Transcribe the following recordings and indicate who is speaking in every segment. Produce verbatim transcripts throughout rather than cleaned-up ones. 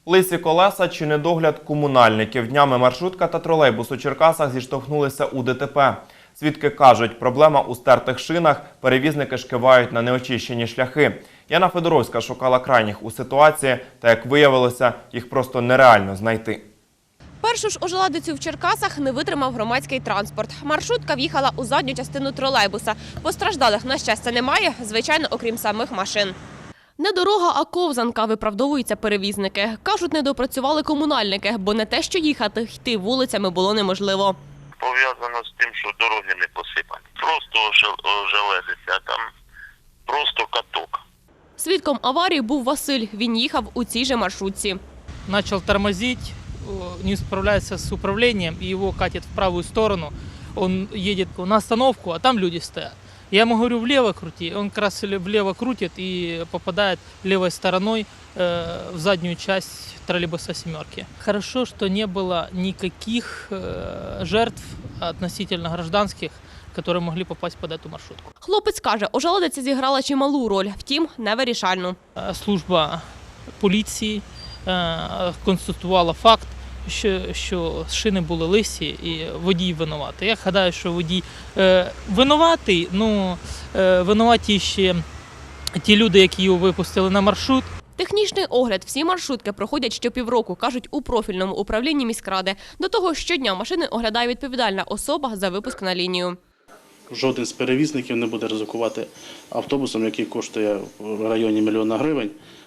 Speaker 1: Лисі колеса чи недогляд комунальників. Днями маршрутка та тролейбус у Черкасах зіштовхнулися у ДТП. Свідки кажуть, проблема у стертих шинах, перевізники ж кивають на неочищені шляхи. Яна Федоровська шукала крайніх у ситуації, та, як виявилося, їх просто нереально знайти.
Speaker 2: Першу ж ожеладицю в Черкасах не витримав громадський транспорт. Маршрутка в'їхала у задню частину тролейбуса. Постраждалих, на щастя, немає, звичайно, окрім самих машин. Не дорога, а ковзанка, виправдовуються перевізники. Кажуть, не допрацювали комунальники, бо не те, що їхати, йти вулицями було неможливо.
Speaker 3: Пов'язано з тим, що дороги не посипані. Просто ожеледиться, а там просто каток.
Speaker 2: Свідком аварії був Василь. Він їхав у цій же маршрутці.
Speaker 4: Начал тормозить, не справляется с управлением, и его катит в правую сторону. Он едет на остановку, а там люди стоят. Я ему говорю, влево крути, он как раз влево крутит и попадает левой стороной э, в заднюю часть троллейбуса «семерки». Хорошо, что не было никаких э, жертв относительно гражданских, які могли попасть під цю маршрутку.
Speaker 2: Хлопець каже, ожеледиця зіграла чималу роль, втім, невирішальну.
Speaker 4: Служба поліції констатувала факт, що, що шини були лисі і водій винуватий. Я гадаю, що водій е, винуватий, ну, е, винуваті ще ті люди, які його випустили на маршрут.
Speaker 2: Технічний огляд всі маршрутки проходять щопівроку, кажуть у профільному управлінні міськради. До того щодня машини оглядає відповідальна особа за випуск на лінію.
Speaker 5: Жоден з перевізників не буде ризикувати автобусом, який коштує в районі мільйона гривень,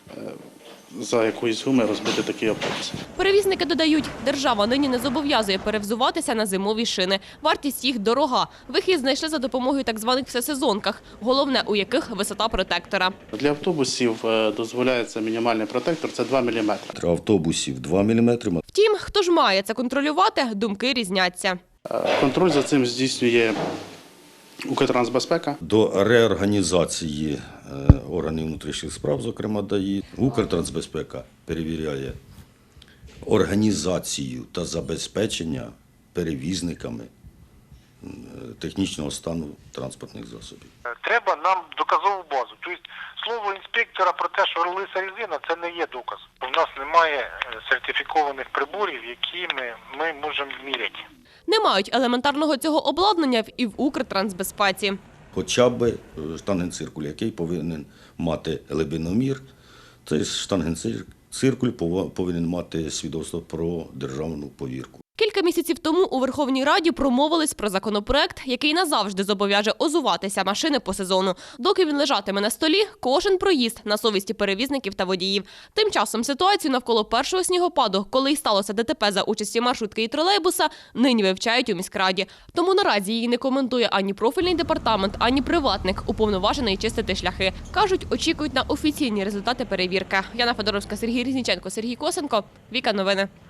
Speaker 5: за якоїсь гуми розбити такий автобус.
Speaker 2: Перевізники додають, держава нині не зобов'язує перевзуватися на зимові шини. Вартість їх дорога. Вихід знайшли за допомогою так званих всесезонках, головне у яких висота протектора.
Speaker 5: Для автобусів дозволяється мінімальний протектор – це два міліметри.
Speaker 6: Для автобусів два міліметри.
Speaker 2: Втім, хто ж має це контролювати, думки різняться.
Speaker 5: Контроль за цим здійснює Укртрансбезпека.
Speaker 6: До реорганізації органів внутрішніх справ, зокрема ДАІ, Укртрансбезпека перевіряє організацію та забезпечення перевізниками технічного стану транспортних засобів.
Speaker 7: Треба нам доказову базу. Тобто слово інспектора про те, що лиса резина, це не є доказ. У нас немає сертифікованих приборів, якими ми можемо міряти.
Speaker 2: Не мають елементарного цього обладнання і в Укртрансбезпеці.
Speaker 6: Хоча б штангенциркуль, який повинен мати глибиномір, цей штангенциркуль повинен мати свідоцтво про державну повірку.
Speaker 2: Кілька місяців тому у Верховній Раді промовились про законопроект, який назавжди зобов'яже озуватися машини по сезону. Доки він лежатиме на столі, кожен проїзд на совісті перевізників та водіїв. Тим часом ситуацію навколо першого снігопаду, коли й сталося ДТП за участі маршрутки і тролейбуса, нині вивчають у міськраді. Тому наразі її не коментує ані профільний департамент, ані приватник, уповноважений чистити шляхи. Кажуть, очікують на офіційні результати перевірки. Яна Федоровська, Сергій Різніченко, Сергій Косенко. Віка Новини.